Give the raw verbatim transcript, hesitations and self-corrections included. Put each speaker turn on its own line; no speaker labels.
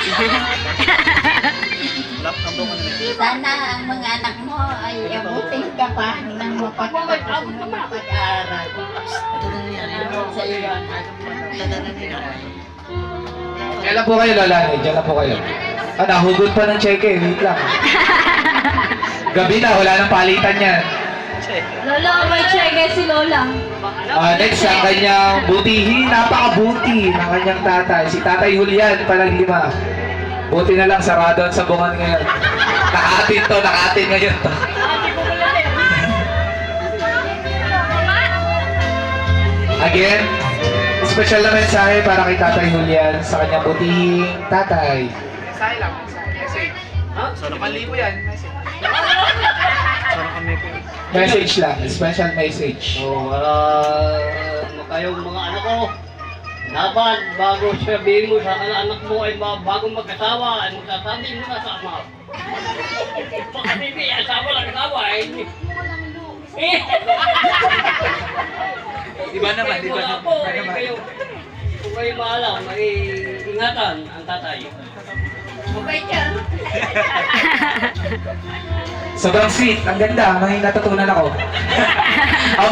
Sana ang mga anak mo ay abutin ka pa ng mapagpapos mo ng pag-aaral. Sa iyo.
Kailan po kayo, Lola? Diyan na po kayo. Ah, nahugot pa ng cheque. Wait lang. Gabi na, wala nang palitan yan.
Lola, may cheque si Lola.
Ah, next, ang kanyang butihin. Napakabuti ng kanyang tatay. Si Tatay Julian, Palagima. Buti na lang, sarado ang sabungan ngayon. Nakatin to, nakatin ngayon to. Again, special na mensahe para kay Tatay Julian sa kanyang butihing tatay. Mensahe lang, message. Ha? So, nakalibo yan, message. Message lang, special message.
So, uh, kayong mga anak ko, dapat bago sabihin mo sa anak mo ay ba- bago magkasawa, ay magsasabi mo na sa ama. Pag hindi, asawa lang kasawa eh.
Di ba naman, di ba
Wala
naman?
po, eh, kayo, kung kayo maalam, ay ingatan ang tatay.
Okay ka.
Sobrang sweet, ang ganda, may natutunan ako.